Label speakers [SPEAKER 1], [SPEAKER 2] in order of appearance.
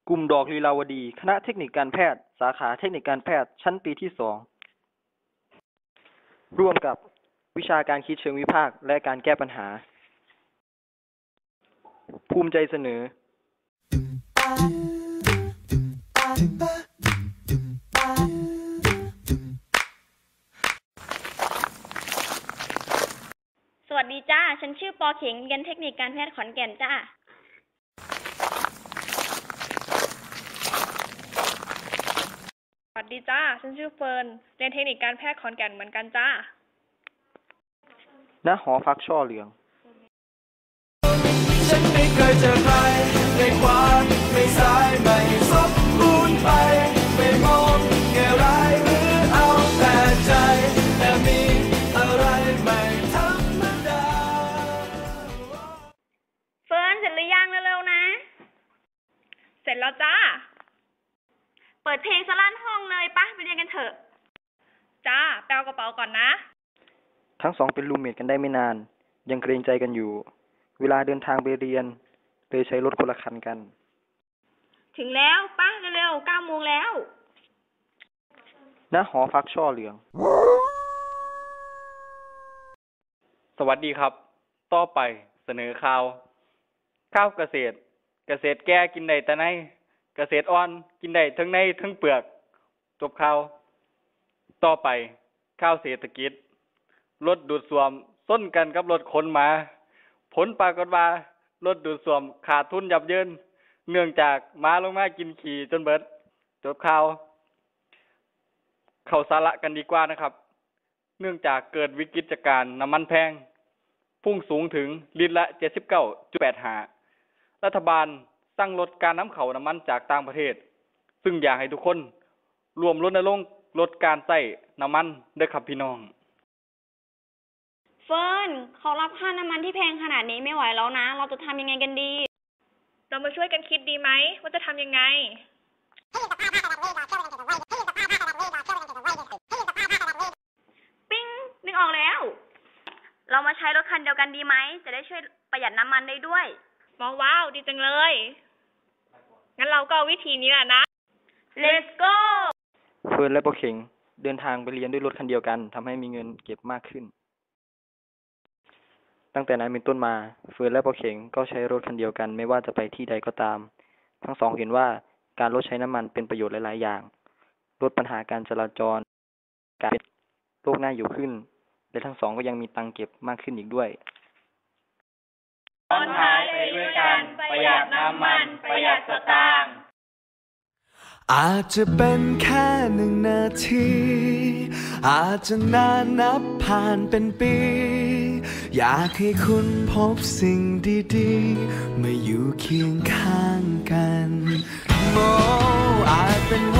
[SPEAKER 1] กลุ่มดอกลีลาวดีคณะเทคนิคการแพทย์สาขาเทคนิคการแพทย์ชั้นปีที่2ร่วมกับวิชาการคิดเชิงวิพากษ์และการแก้ปัญหาภูมิใจเสนอ
[SPEAKER 2] สวัสดีจ้าฉันชื่อปอเข็งเรียนเทคนิคการแพทย์ขอนแก่นจ้า
[SPEAKER 3] สวัสดีจ้าฉันชื่อเฟิร์นเรียนเทคนิคการแพทย์ขอนแก่นเหมือนกันจ้า
[SPEAKER 1] ณหอพักช่อเหลือง
[SPEAKER 4] ฉันไม่เคยเจอใครในความไม่สายไม่สมบูรณ์ไปไม่มองแง่ร้ายหรือเอาแต่ใจแต่มีอะไรไม่ธรรมดา
[SPEAKER 2] เฟิร์นเสร็จหรือยังเร็วๆนะ
[SPEAKER 3] เสร็จแล้วจ้า
[SPEAKER 2] เปิดเพลงสลั่นห้องเลยปะไปเรียนกันเถอะ
[SPEAKER 3] จ้าแปลกระเป๋าก่อนนะ
[SPEAKER 1] ทั้งสองเป็นรูมเมทกันได้ไม่นานยังเกรงใจกันอยู่เวลาเดินทางไปเรียนเลยใช้รถคนละคันกัน
[SPEAKER 2] ถึงแล้วปะเร็วๆ9 โมงแล้ว
[SPEAKER 1] ณหอพักช่อเหลือง
[SPEAKER 5] สวัสดีครับต่อไปเสนอข่าวเกษตรแก่กินได้แต่ในเกษตรอ่อนกินได้ทั้งในทั้งเปลือกจบข่าวต่อไปข่าวเศรษฐกิจรถดูดซ่วมส้นกันกับรถขนมาผลปรากฏว่ารถดูดซ่วมขาดทุนยับเยินเนื่องจากม้าลงมากินขี่จนเบิดจบข่าวเข้าสาระกันดีกว่านะครับเนื่องจากเกิดวิกฤตการณ์น้ำมันแพงพุ่งสูงถึงลิตรละ 79.85 รัฐบาลสั่งลดการนำเข้าน้ำมันจากต่างประเทศซึ่งอยากให้ทุกคนรวมรณรงค์ลดการใช้น้ำมันเด้อครับพี่น้อง
[SPEAKER 2] เฟิร์นเขารับค่าน้ำมันที่แพงขนาดนี้ไม่ไหวแล้วนะเราจะทำยังไงกันดี
[SPEAKER 3] เรามาช่วยกันคิดดีไหมว่าจะทำยังไง
[SPEAKER 2] ปิ้งนึกออกแล้วเรามาใช้รถคันเดียวกันดีไหมจะได้ช่วยประหยัดน้ำมันได้ด้วย
[SPEAKER 3] ว้าวดีจังเลยงั้นเราก็เอาวิธีนี้แหละนะ
[SPEAKER 2] Let's go
[SPEAKER 1] เฟิร์นและปอเข็งเดินทางไปเรียนด้วยรถคันเดียวกันทำให้มีเงินเก็บมากขึ้นตั้งแต่นั้นเป็นต้นมาเฟิร์นและปอเข็งก็ใช้รถคันเดียวกันไม่ว่าจะไปที่ใดก็ตามทั้งสองเห็นว่าการลดใช้น้ำมันเป็นประโยชน์หลายๆอย่างลดปัญหาการจราจรการเป็นโลกน่าอยู่ขึ้นและทั้งสองก็ยังมีตังค์เก็บมากขึ้นอีกด้วย
[SPEAKER 4] ตอนท้ายไปด้วยกันประหยัดน้ำมันประหยัดสตางค์อาจจะเป็นแค่1 นาทีอาจจะนานนับผ่านเป็นปีอยากให้คุณพบสิ่งดีๆเมื่ออยู่เคียงข้างกันอาจเป็น